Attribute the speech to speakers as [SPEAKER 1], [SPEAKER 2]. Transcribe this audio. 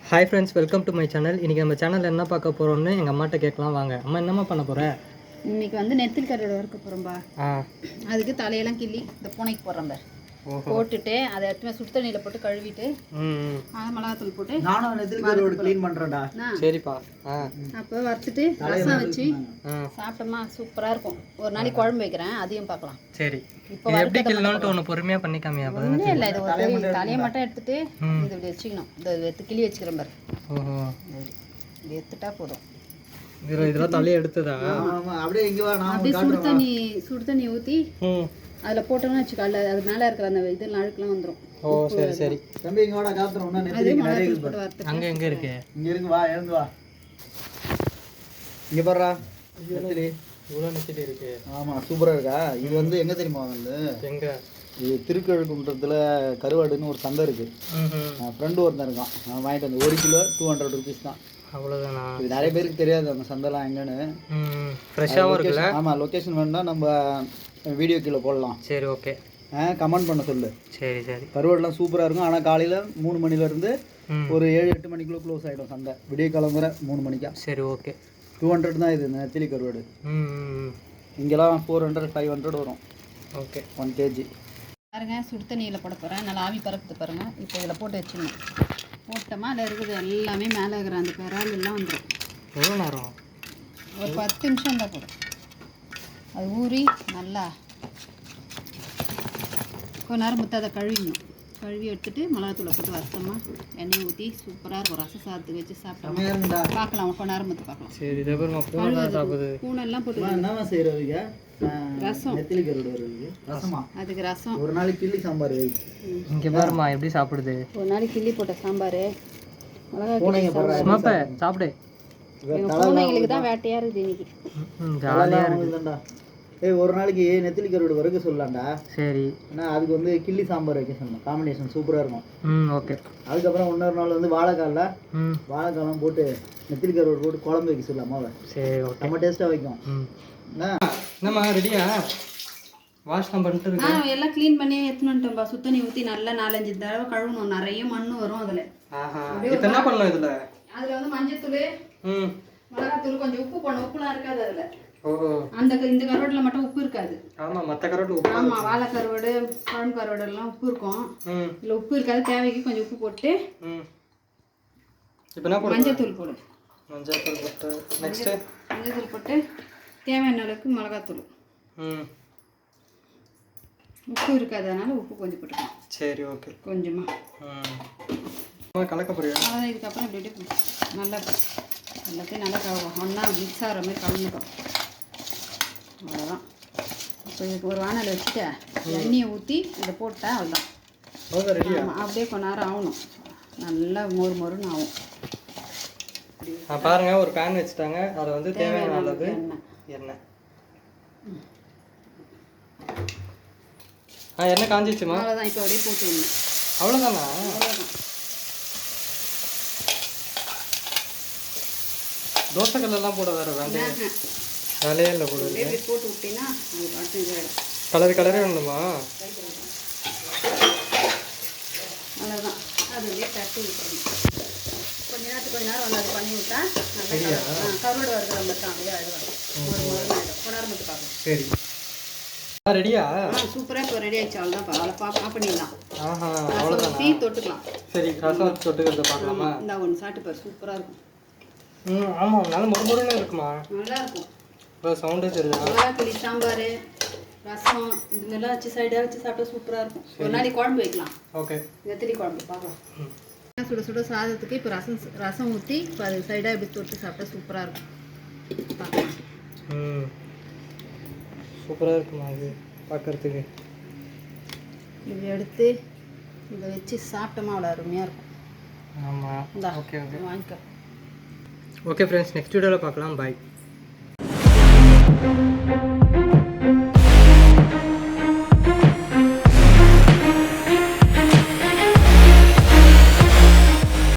[SPEAKER 1] Hi friends, welcome to my channel. இன்றைக்கி நம்ம சேனலில் என்ன பார்க்க போகிறோம்னு எங்கள் அம்மாட்ட கேட்கலாம் வாங்க. அம்மா என்னம்மா பண்ண போகிறேன்?
[SPEAKER 2] இன்னைக்கு வந்து நெத்தில் கருவாடு வறுக்க போகிறோம்பா. அதுக்கு தலையெல்லாம் கிள்ளி இந்த பூனைக்கு போடுறோம் பார். போட்டுட்டு அதை எடுத்து சுடு தண்ணியில் போட்டு கழுவிட்டு மிளகாத்தூள் போட்டு
[SPEAKER 3] நானும் நெத்தில் கருவாடு க்ளீன் பண்ணுறேன்டா.
[SPEAKER 1] சரிப்பா.
[SPEAKER 2] அப்போ வறுத்துட்டு ரசம் வச்சு சாப்பிட்டோமா சூப்பராக இருக்கும். ஒரு நாளைக்கு குழம்பு வைக்கிறேன், அதையும் பார்க்கலாம். சரி, இப்போ எப்படி கிள்ளணும்னு ஒன்று பொறுமையாக பண்ணிக்காமியா? ஒன்றும் இல்லை, இது ஒரு தலையை மட்டும் எடுத்துட்டு இது இப்படி வச்சுக்கணும். இந்த எடுத்து கிள்ளி வச்சுக்கிறேன் பாரு. இது எடுத்துட்டா போதும்.
[SPEAKER 1] இதெல்லாம் தலையை எடுத்ததா?
[SPEAKER 3] அப்படியே இங்கே வா, நான்
[SPEAKER 2] அப்படியே சுடு தண்ணி ஊற்றி அதில் போட்டோம்னு வச்சுக்கோ, அது மேலே இருக்கிற அந்த இதெல்லாம் அழுக்கெல்லாம் வந்துடும்.
[SPEAKER 1] ஓ சரி சரி.
[SPEAKER 3] தம்பி இங்கே வாடா, காத்துறோம்.
[SPEAKER 1] அங்கே எங்கே இருக்கு?
[SPEAKER 3] இங்கே இருக்கு, வா எழுந்து வா. இங்கே பாடுறா, நெத்திலி
[SPEAKER 1] இவ்வளோ நெத்திலி இருக்கு.
[SPEAKER 3] ஆமாம், சூப்பராக இருக்கா. இது வந்து எங்கே தெரியுமா வந்து
[SPEAKER 1] எங்கே?
[SPEAKER 3] இது திருக்கழுக்குன்றத்தில் கருவாடுன்னு ஒரு சந்தை இருக்குது. ஃப்ரெண்டு ஒருத்தன் இருக்கான், நான் வாங்கிட்டு வந்து 1 கிலோ 200 ருபீஸ் தான்.
[SPEAKER 1] அவ்வளோதானா?
[SPEAKER 3] இது நிறைய பேருக்கு தெரியாது அந்த சந்தைலாம் எங்கன்னு.
[SPEAKER 1] ஃப்ரெஷ்ஷாகவும் இருக்குல்ல?
[SPEAKER 3] ஆமாம், லொக்கேஷன் வேணுன்னா நம்ம வீடியோ கீழே போடலாம்.
[SPEAKER 1] சரி, ஓகே.
[SPEAKER 3] கமெண்ட் பண்ண சொல்லு.
[SPEAKER 1] சரி சரி.
[SPEAKER 3] கருவாடுலாம் சூப்பராக இருக்கும். ஆனால் காலையில் 3 மணிலேருந்து ஒரு 7-8 மணிக்குள்ளே க்ளோஸ் ஆகிடும் சந்தை. விடிய கிளம்புற 3 மணிக்கா.
[SPEAKER 1] சரி, ஓகே.
[SPEAKER 3] 200 தான் இது நெத்திலி கருவாடு. இங்கெல்லாம் 400-500 வரும்.
[SPEAKER 1] Okay,
[SPEAKER 3] 1 kg.
[SPEAKER 2] பாருங்க, சுடு தண்ணியில் போட போகிறேன். நல்லா ஆவி பறக்குது பாருங்கள். இப்போ இதில் போட்டு வச்சுக்கணும். போட்டோமா அதில் இருக்குது எல்லாமே மேலே இருக்கிற அந்த பெறால் எல்லாம் வந்துடும்.
[SPEAKER 1] எவ்வளோ நேரம்?
[SPEAKER 2] ஒரு 10 நிமிஷம் தான் போடும். அது ஊறி நல்லா கொஞ்ச நேரம் முத்த அதை கழுவி எடுத்துட்டு மிளகாத்தூளை போட்டு வறுத்தோமா எண்ணெய் ஊற்றி சூப்பராக இருக்கும். ரசம் சாதத்துக்கு வச்சு சாப்பிட்டோமா பார்க்கலாம். கொஞ்ச நேரம் முத்து பார்க்கலாம்.
[SPEAKER 1] சரி,
[SPEAKER 2] பூனெல்லாம் போட்டு
[SPEAKER 3] என்ன செய்கிறதுங்க?
[SPEAKER 2] ரசம்,
[SPEAKER 3] நெத்திலி கருவாடு வருது ரசமா?
[SPEAKER 2] அதுக்கு ரசம்.
[SPEAKER 3] ஒரு நாளைக்கு கிள்ளி சாம்பார்.
[SPEAKER 1] இங்கே பாருமா எப்படி சாப்பிடுது.
[SPEAKER 2] ஒரு நாளைக்கு கிள்ளி போட்ட சாம்பார்
[SPEAKER 1] மிளகா சாப்பிடு.
[SPEAKER 2] பூனைங்களுக்கு தான் வேட்டையாக இருக்குது இன்னைக்கு.
[SPEAKER 1] ஜாலியாக இருக்குதுண்டா.
[SPEAKER 3] ஒரு நாளைக்கு நெத்திலி கருவாடு வறுக்க சொல்லலாம்டா.
[SPEAKER 1] சரி.
[SPEAKER 3] ஏன்னா அதுக்கு வந்து கிள்ளி சாம்பார் வைக்க சொல்லணும். காம்பினேஷன் சூப்பராக இருக்கும்.
[SPEAKER 1] ஓகே.
[SPEAKER 3] அதுக்கப்புறம் இன்னொரு நாள் வந்து வாழைக்காலம் போட்டு நெத்திலி கருவாடு போட்டு குழம்பு வைக்க சொல்லலாமா? சரி, ஓகே. நம்ம டேஸ்ட்டாக வைக்கும்.
[SPEAKER 1] என்னம்மா ரெடியா? வாஷ் தான் பண்ணிட்டு இருக்கேன்.
[SPEAKER 2] எல்லாம் க்ளீன் பண்ணி எடுத்துனுட்டோம்பா. சுத்தண்ணி ஊற்றி நல்லா 4-5 தடவை கழுவணும். நிறைய மண்ணு வரும் அதில்.
[SPEAKER 1] இப்போ என்ன பண்ணலாம் இதில்?
[SPEAKER 2] அதில் வந்து மஞ்சத்தூள், மிளகாத்தூள், கொஞ்சம் உப்பு போடணும். உப்புலாம் இருக்காது அதில். இந்த கருவாடுல மட்டும் உப்பு இருக்காது.
[SPEAKER 1] ஆமா, மற்ற கருவாடு உப்பு.
[SPEAKER 2] ஆமா, வாழை கருவாடு, குழம்பு கருவாடு எல்லாம் உப்பு இருக்கும். இல்லை உப்பு இருக்காது. தேவைக்கு கொஞ்சம் உப்பு போட்டு
[SPEAKER 1] இப்போ என்ன போடு?
[SPEAKER 2] மஞ்சத்தூள் போடு.
[SPEAKER 1] மஞ்சத்தூள் போட்டு நெக்ஸ்ட்
[SPEAKER 2] மஞ்சத்தூள் போட்டு தேவையான அளவுக்கு மிளகாத்தூள். உப்பு இருக்காது, அதனால உப்பு கொஞ்சம் போட்டுக்கலாம்.
[SPEAKER 1] சரி, ஓகே.
[SPEAKER 2] கொஞ்சமா
[SPEAKER 1] கலக்க போறியா?
[SPEAKER 2] அதான். இதுக்கப்புறம் இப்படி நல்லா எல்லாத்தையும் நல்லா ஒன்றா மிக்ஸ் ஆகிற மாதிரி கலந்துக்கும். அவ்வளோதான். இப்போ இதுக்கு ஒரு வானல் வச்சுட்டு எண்ணெயை ஊற்றி இதை போட்டால் அவ்வளோதான். அப்படியே கொஞ்ச நேரம் ஆகணும். நல்லா மொறுன்னு ஆகும்.
[SPEAKER 1] பாருங்க, ஒரு பேன் வச்சுட்டாங்க. அதில் வந்து தேவையான அளவு எண்ணெய். எண்ணெய் காஞ்சிச்சுமா?
[SPEAKER 2] அவ்வளோதான். இப்போ அப்படியே போட்டு விடணும்.
[SPEAKER 1] அவ்வளோதானா?
[SPEAKER 2] அவ்வளோதான்.
[SPEAKER 1] தோசைக்கல்லாம் போட வேறு வேலையே இல்லை போட.
[SPEAKER 2] போட்டு விட்டீங்கன்னா அது பாட்டு
[SPEAKER 1] இதாகிடும். கலரே வேணுமா?
[SPEAKER 2] அவ்வளோதான். அது அப்படியே தட்டி விட்டுறணும். கொஞ்ச நேரம் வந்து அது பண்ணி விட்டா நல்லா கருவாடு வறுக்கிற மாதிரி தான் அப்படியே அழுவாங்க. ஒரு நேரம் மட்டும் பார்க்கணும்.
[SPEAKER 1] சரி, ரெடியா?
[SPEAKER 2] சூப்பராக இப்போ ரெடி ஆகிடுச்சு. அவ்வளோதான். ஆஃப் பண்ணிடலாம்.
[SPEAKER 1] அவ்வளோதான்.
[SPEAKER 2] டீ தொட்டுக்கலாம்.
[SPEAKER 1] சரி, ரசம் தொட்டுக்கிறத பார்க்கலாமா?
[SPEAKER 2] இந்த ஒன்று சாப்பிட்டு பாரு, சூப்பராக இருக்கும்.
[SPEAKER 1] ஆமாம், நல்ல மொறுமொறுன்னு இருக்குமா?
[SPEAKER 2] நல்லா இருக்கும்.
[SPEAKER 1] இப்போ சவுண்டே தெரியுது.
[SPEAKER 2] மிளகாத்தூளி சாம்பார், ரசம் இது மாதிரிலாம் வச்சு சைடாக வச்சு சாப்பிட்டா சூப்பராக இருக்கும். ஒரு நாளைக்கு குழம்பு வைக்கலாம்.
[SPEAKER 1] ஓகே.
[SPEAKER 2] நெத்திலி குழம்பு பார்க்கலாம். சுட சுட சாதத்துக்கு இப்போ ரசம் ஊற்றி இப்போ அது சைடாக இப்படி தொட்டு சாப்பிட்டா சூப்பராக இருக்கும். பார்க்கலாம்.
[SPEAKER 1] சூப்பராக இருக்குமா அது பார்க்குறதுக்கு?
[SPEAKER 2] இப்படி எடுத்து இதை வச்சு சாப்பிட்டோமா அவ்வளோ அருமையாக இருக்கும்.
[SPEAKER 1] ஆமாம். ஓகே ஓகே,
[SPEAKER 2] வாங்கிக்கோ.
[SPEAKER 1] ஓகே ஃப்ரெண்ட்ஸ், நெக்ஸ்ட் வீடியோவில் பார்க்கலாம். பாய்.